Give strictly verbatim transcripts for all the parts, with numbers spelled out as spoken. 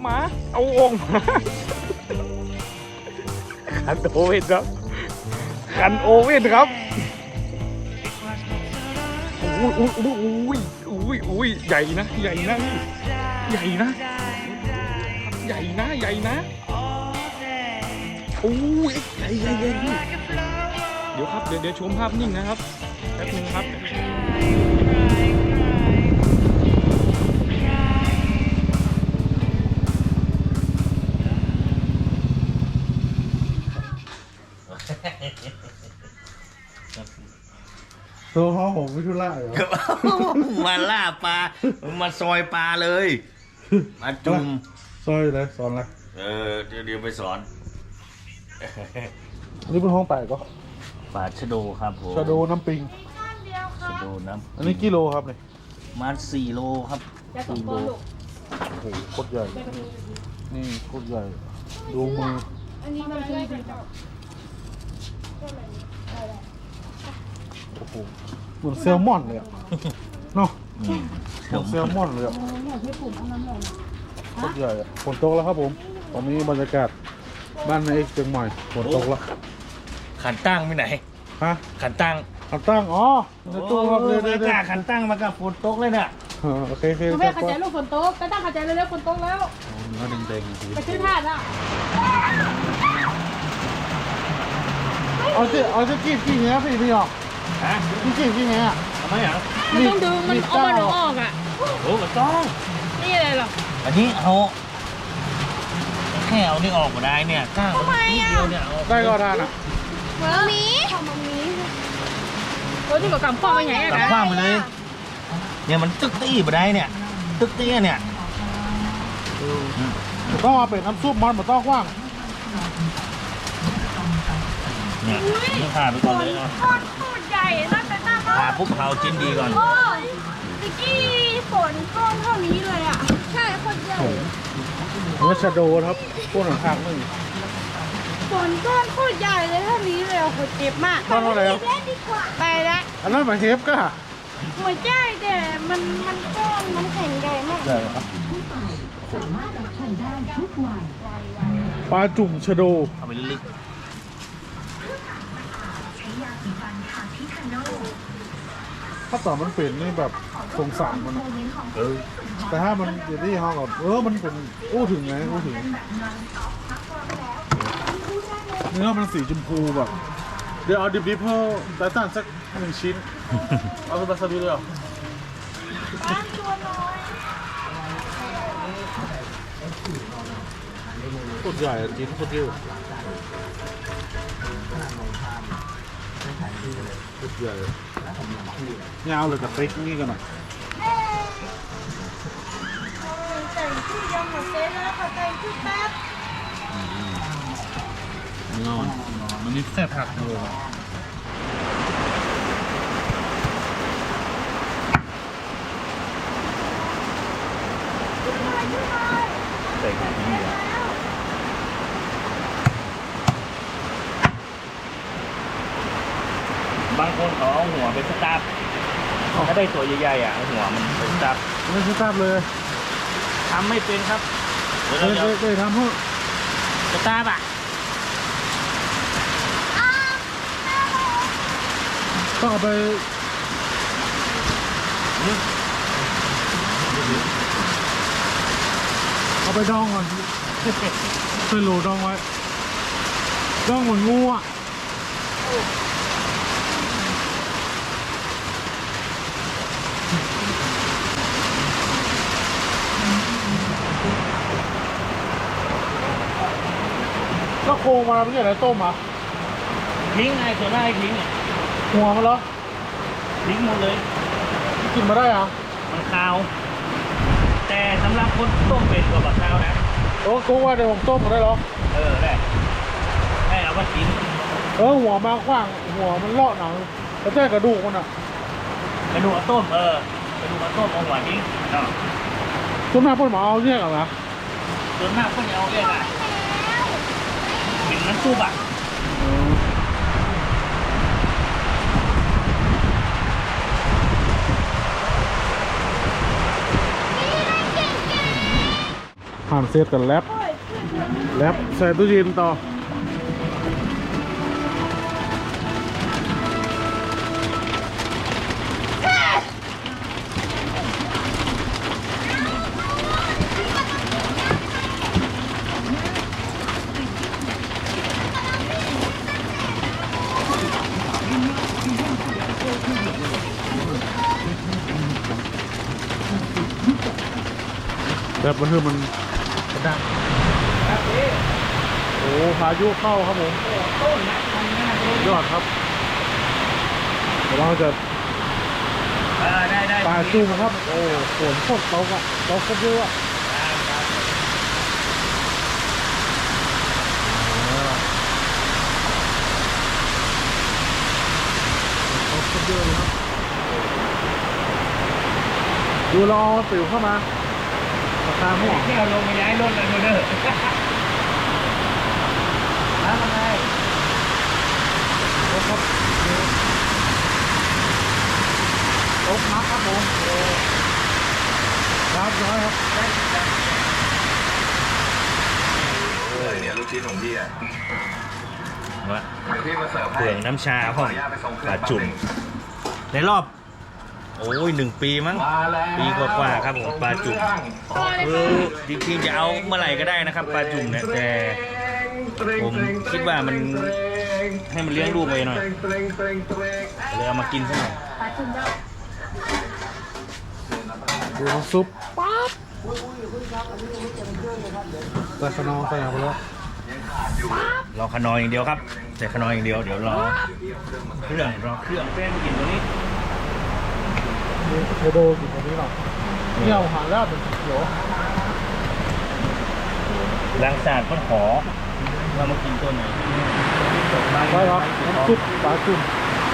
มาเอาโอ่งมาคันโอเว่นครับคันโอเว่นครับอุ้ยอุ้ยอุ้ยอุ้ยอุ้ยใหญ่นะใหญ่นะใหญ่นะใหญ่นะใหญ่นะโอ้ยใหญ่ใหญ่ใหญ่เดี๋ยวครับเดี๋ยวเดี๋ยวชมภาพนิ่งนะครับแป๊บนึงครับโซฮอผมไม่ทุล่าเหรอมาล่าปลา มาซอยปลาเลย มาจุ่มซอยเลยสอนอะไรเออเดี๋ยวเดี๋ยวไปสอนอันนี้เป็นห้องแตกก็ปลาชะโดครับผมชาโดน้ำปิงชะโดน้ำอันนี้กิโลครับเนี่ยมาสี่โลครับสี่โลโอ้โหโคตรใหญ่ นี่โคตรใหญ่ ดูมืออันนี้มันคือโอ้โหเหมือนแซลมอนเลยอะเนาะอืมเหมือนแซลมอนเลยอะโคตรใหญ่อะฝนตกแล้วครับผม ตอนนี้บรรยากาศบ้านในเอกเชียงใหม่ฝนตกแล้วขันตั้งไปไหนฮะขันตั้งขันตั้งอ๋อในตู้ครับโอ้เลยยเลยกล้าขันตั้งมากับฝนตกเลยเนี่ยโอเคโอเคคุณแม่ขัดใจลูกฝนตกก็ตั้งขัดใจเร็วๆฝนตกแล้วเนื้อแดงๆไปซื้อถ่านอ่ะเอาสิเอาสิกีบกี่เงี้ยพี่พี่หรอกฮะพี่กีบกี่เงี้ยทำไมอ่ะมันต้องดึงมันเอามันออกอ่ะโอ้ไม่ต้องนี่อะไรหรออันนี้เอาแค่เอานี่ออกมาได้เนี่ยก้างนิดเดียวเนี่ยเอาได้ก็ทานอ่ะมามีมามีโอ้ยที่บอกกำข้อมาใหญ่ตัดนะขว้างไปเลย เนี่ยมันตึกตี้มาได้เนี่ย ตึกตี้เนี่ยต้องเอาเป็ดน้ำซุปมันมันต้องกว้างเนี่ยนี่ผ่าไปก่อนเลยนะโคตรโคตรใหญ่น่าจะน่าผ่าปุ๊บเผาจิ้นดีก่อนโอ้ยตะกี้ฝนก้อนเท่านี้เลยอ่ะใช่โคตรใหญ่เนื้อชาโดครับพวกหนังทางนึงฝนก้อนโคตรใหญ่เลยเท่านี้เลยโคตรเจ็บมากก้อนเท่าไหร่ครับเล่นดีกว่าไปละอันนั้นหมายเฮฟก็หัวใจแต่มันมันก้อนมันแข็งใหญ่มากใช่ครับปลาจุ่มชาโดเอาไปลึกถ้าต่อมันเป็นนี่แบบสงสารมันอะๆเออแต่ถ้ามันอยู่ที่ห้องกับเออมันเป็นอู้ถึงไงอู้ถึงเนื้อมันสีชมพูแบบเดี๋ยวเอาดิบดิบเพิ่มแต่สั่นสักหนึ่งชิ้น เอาสบายสบายเลยเหรอบ้านตัวน้อยโคตรใหญ่อะชิ้นโคตรเยอะโคตรใหญ่ยาวเลยกับติ๊กนี่กันหน่อยแต่งที่ยังหมดเซตแล้วค่ะแต่งที่แป๊บนอนมันนี่แซ่บผักเลยใส่ถุงนี้อะบางคนเขาเอาหัวไปสตาร์ทถ้าได้ตัวใหญ่ๆอ่ะเอาหัวมันไปสตาร์ทไม่ใช่ทราบเลยทำไม่เป็นครับเดี๋ยวเคเรายจะเคยเคยทำเพื่อสตาร์ทอ่ะต้องเอาไปเอาไปดองก่อนเคยโหลดองไว้ดองเหมือนงูอ่ะก็โครงมาไม่ใช่อะไรต้มอ่ะทิ้งไงตัวหน้าให้ทิ้งอ่ะหัวมันเหรอทิ้งหมดเลยกินมาได้อ่ะมันคาว แต่สำหรับคนต้มเป็ดกับบักคาวนะโอ้กูว่าเดี๋ยวผมต้มมาได้หรอเออได้ให้เอามากินเออหัวมากว้างหัวมันเลาะหนังแล้วแจ้กระดูกมันอ่ะกระดูกเอาต้มเออกระดูกเอาต้มเอาหัวทิ้งเนาะต้นหน้าพ่นหมาเอาเนี่ยกันนะส่วนมากคนจะเอาเรียกอ่ะกินน้ำซุปอ่ะนผ่านเซตกันแลบแลบใส่ตู้เย็นต่อแบบมันคือมันดังโอ้พายุเข้าครับผมยอดครับเดี๋ยวเราจะเออได้ได้ปลาจุ่มครับ โอ้ฝนโคตรตกอ่ะตกโคตรเยอะอ่ะตกโคตรเยอะเลยครับดูรอสิวเข้ามาปากกาม่วงที่เราลงมาย้ายรถเลยเด้อมาทำไมตกครับตกนักครับผมโอ้รับน้อยครับเลยเนี่ยลูกชิ้นของพี่อ่ะวะเดี๋ยวพี่มาเสิร์ฟให้เปลืองน้ำชาขพ่อออนุญาตไปส่งเคปรื่ลาองจุ่มในรอบ โอ้ยหนึ่งปีมั้งมาแล้วปีกว่าๆครับผมปลาจุ่มคือจริงๆจะเอาเมื่อไหร่ก็ได้นะครับปลาจุ่มเนี่ยแต่ผมคิดว่ามันให้มันเลี้ยงลูกไปหน่อยเลยเอามากินซะหน่อยดูน้ำซุปป๊าบใส่ขนมใส่อะไรไปแล้วรอขนอยอย่างเดียวครับใส่ขนอยอย่างเดียวเดี๋ยวรอเครื่องรอเครื่องแป้งกินตัวนี้เทโดกินตรงนี้หรอเนี่ยเอาหางแล้วเป็นสีเขียวล้างสาดก็ขอเรามากินตัวไหนไปครับน้ำซุปปลาจุ่ม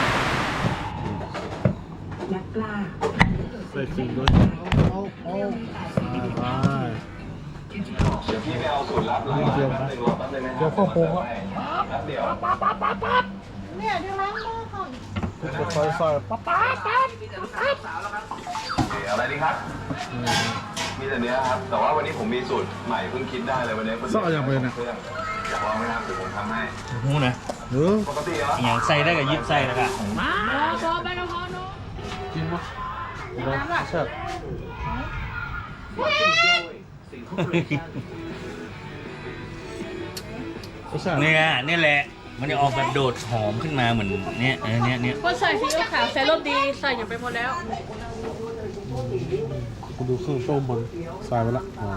ใส่ขิงด้วยเอาเอาไปเดี๋ยวพี่ไปเอาสูตรลับหลังนี่เจียวแป๊บนึงรอแป๊บนึงนะเจียวข้าวโพดครับแป๊บเดียวเนี่ยเดี๋ยวล้างมือก่อนใส่ใส่ปั๊บปั๊บปั๊บโอเคเอาอะไรดีครับ มีแต่เนี้ยครับ แต่ว่าวันนี้ผมมีสูตรใหม่เพิ่งคิดได้เลยวันนี้ซออย่างไปนะเครื่องอยากลองไหมครับเดี๋ยวผมทำให้หูนะเออปกติเหรออย่างใส่ได้กับยิบใส่แล้วกันพอไปแล้วพอเนาะกินมั้ยได้ใช่เนี่ยนี่แหละมันจะออกแบบโดดหอมขึ้นมาเหมือนเนี้ยเออเนี้ยเนี้ยคนใส่ซีอิ๊วขาวใส่รสดีใส่อย่างไปหมดแล้วกูดูเครื่องต้มมันใส่ไปละอ๋อ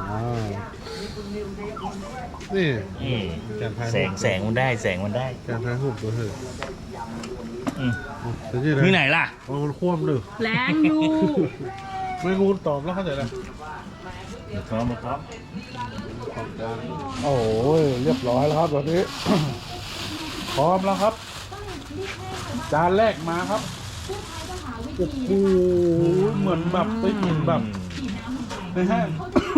นี่อืมแกนไทยแสงแสงมันได้แสงมันได้แกนไทยหุบตัวเถอะอืมแต่ที่ไหนที่ไหนล่ะมันคว่ำเลยแรงอยู่ไม่งูตอบแล้วเข้าใจแล้วพร้อมพร้อมโอ้ยเรียบร้อยแล้วครับตอนนี้ พร้อมแล้วครับ จานแรกมาครับโอ้โหเหมือนแบบไปกินแบบในห้าง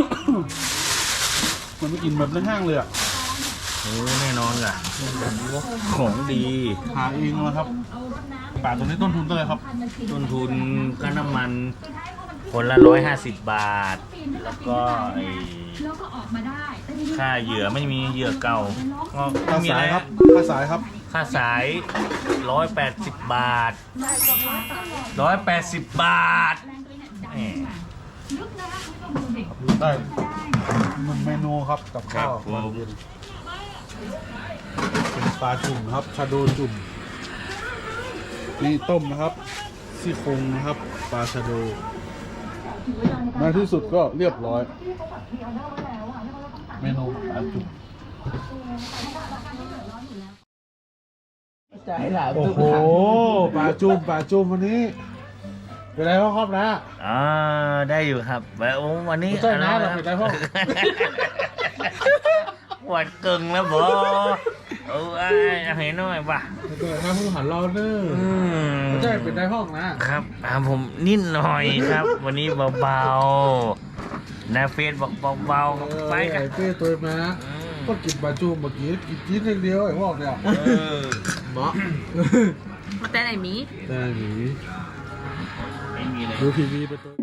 เหมือนไปกินแบบในห้างเลยอ่ะโอ้แน่นอนล่ะของดีหาเองนะครับป่าตัวนี้ต้นทุนเท่าไหร่ครับต้นทุนก็น้ำมันคนละร้อยห้าสิบบาท แล้วก็ไอ้ค่าเหยื่อไม่มีเหยื่อเก่าก็ไม่ค่ามีสาอะไรยคครัรับบ ค่าสายครับค่าสายร้อยแปดสิบบาทร้อยแปดสิบบาทแหมได้หนึ่งเมนูครับกับข้าวครับผมวันเย็นเป็นปลาจุ่มนะครับชาโดจุ่มนี่ต้มนะครับซี่โครงนะครับปลาชาโดในที่สุดก็เรียบร้อย เมนูปลาจุ่มโอ้โหปลาจุ่มปลาจุ่มวันนี้เป็นไรบ้างครับนะอ่าได้อยู่ครับแล้ววันนี้ไม่ใช่นะเราเป็นไรพ่อหวัดเกิงแล้วบอเออไอ้เห็นหน่อยป่ะไม่เป็นไรนะผู้หันรอเนอร์อืมไม่ใช่เป็นได้ห้องนะครับอ่าผมนิดหน่อยครับ วันนี้เบาๆนะเฟซบอกเบาๆไปกันไอ้เป้ตัวมาอืมก็กินปลาจุ่มเมื่อกี้กินจี๊ดอย่างเดียวไอ้พวกเนี่ยเออเนาะแต่ไหนมีแต่หนีไม่มีเลยดูทีวีไปตัว